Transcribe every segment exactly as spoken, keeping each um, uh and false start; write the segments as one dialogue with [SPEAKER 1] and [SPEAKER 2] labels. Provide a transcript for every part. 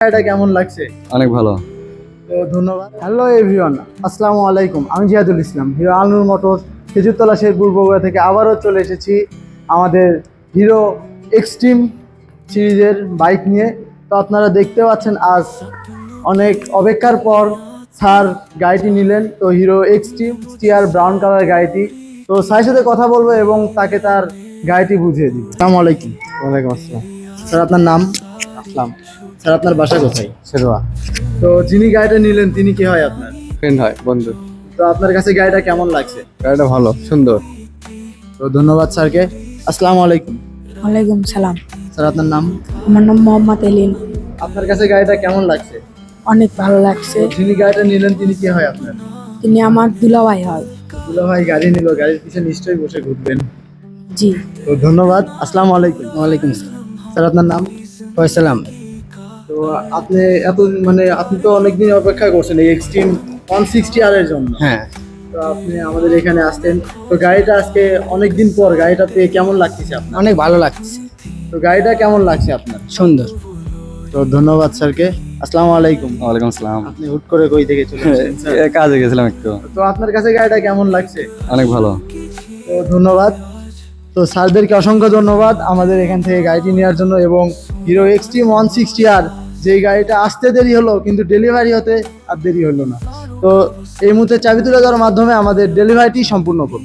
[SPEAKER 1] এটা কেমন লাগছে?
[SPEAKER 2] অনেক ভালো।
[SPEAKER 1] তো ধন্যবাদ। হ্যালো এভরিওয়ান, আসসালামু আলাইকুম। আমি জিয়াদুল ইসলাম, হিরো আলনুর মোটরস খেজুরতলা শেরপুর বগুড়া থেকে আবারও চলে এসেছি আমাদের হিরো এক্সট্রিম সিরিজের বাইক নিয়ে। তো আপনারা দেখতে পাচ্ছেন আজ অনেক অপেক্ষার পর স্যার গাড়িটি নিলেন। তো হিরো এক্সট্রিম স্টিয়ার ব্রাউন কালার গাড়িটি। তো স্যারের সাথে কথা বলবো এবং তাকে তার গাড়িটি বুঝিয়ে দিব। আসসালামু আলাইকুম।
[SPEAKER 2] ওয়ালাইকুম আসসালাম।
[SPEAKER 1] স্যার আপনার নাম?
[SPEAKER 2] আসলাম।
[SPEAKER 1] স্যার আপনার বাসা কোথায়?
[SPEAKER 2] শেরওয়া।
[SPEAKER 1] তো যিনি গাড়িটা নিলেন তিনি কি হয় আপনার?
[SPEAKER 2] ফ্রেন্ড হয়, বন্ধু।
[SPEAKER 1] তো আপনার কাছে গাড়িটা কেমন লাগছে?
[SPEAKER 2] গাড়িটা ভালো, সুন্দর।
[SPEAKER 1] তো ধন্যবাদ স্যারকে। আসসালামু আলাইকুম।
[SPEAKER 3] ওয়ালাইকুম সালাম।
[SPEAKER 1] স্যার আপনার নাম?
[SPEAKER 3] আমার নাম মোহাম্মদ এলিন।
[SPEAKER 1] আপনার কাছে গাড়িটা কেমন লাগছে?
[SPEAKER 3] অনেক ভালো লাগছে।
[SPEAKER 1] তো যিনি গাড়িটা নিলেন তিনি কি হয় আপনার?
[SPEAKER 3] তিনি আমার দুলাভাই হয়।
[SPEAKER 1] দুলা ভাই গাড়ি নিল, গাড়ির পিছনে নিশ্চয়ই বসে ঘুরবেন।
[SPEAKER 3] জি।
[SPEAKER 1] তো ধন্যবাদ। আসসালামু আলাইকুম।
[SPEAKER 2] ওয়ালাইকুম আসসালাম।
[SPEAKER 1] স্যার আপনার নাম?
[SPEAKER 2] ফয়সালাম।
[SPEAKER 1] তো আপনি এত মানে আপনি তো অনেকদিন অপেক্ষা করছেন এই এক্সট্রিম ওয়ান সিক্সটি আর এর জন্য।
[SPEAKER 2] হ্যাঁ,
[SPEAKER 1] তো আপনি আমাদের এখানে আসতেন। তো গাড়িটা আজকে অনেকদিন পর গাড়িটা পেয়ে কেমন লাগতেছে আপনার?
[SPEAKER 2] অনেক ভালো লাগছে,
[SPEAKER 1] তো গাড়িটা কেমন লাগছে আপনার?
[SPEAKER 2] সুন্দর।
[SPEAKER 1] তো ধন্যবাদ স্যারকে। আসসালামু আলাইকুম।
[SPEAKER 2] ওয়ালাইকুম আসসালাম।
[SPEAKER 1] আপনি হুট করে কই থেকে চলে এসেছেন স্যার?
[SPEAKER 2] এ, কাজে গেছিলাম একটু।
[SPEAKER 1] তো আপনার কাছে গাড়িটা কেমন লাগছে?
[SPEAKER 2] অনেক ভালো।
[SPEAKER 1] তো ধন্যবাদ। তো স্যারদেরকে অসংখ্য ধন্যবাদ আমাদের এখান থেকে গাড়িটি নেওয়ার জন্য। এবং হিরো এক্সট্রিম ওয়ান সিক্সটি আর যেই গাড়িটা আসতে দেরি হলো কিন্তু ডেলিভারি হতে আর দেরি হলো না। তো এই মুহূর্তে চাবি তুলে দেওয়ার মাধ্যমে আমাদের ডেলিভারিটি সম্পূর্ণ করব।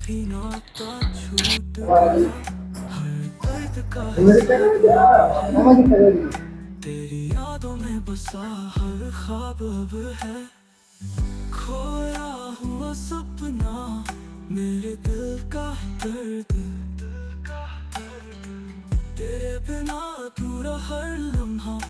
[SPEAKER 4] तेरी यादों में बसा हर ख्वाब अब है, खोया हुआ सपना मेरे दिल का दर्द, तेरे बिना अधूरा हर लम्हा।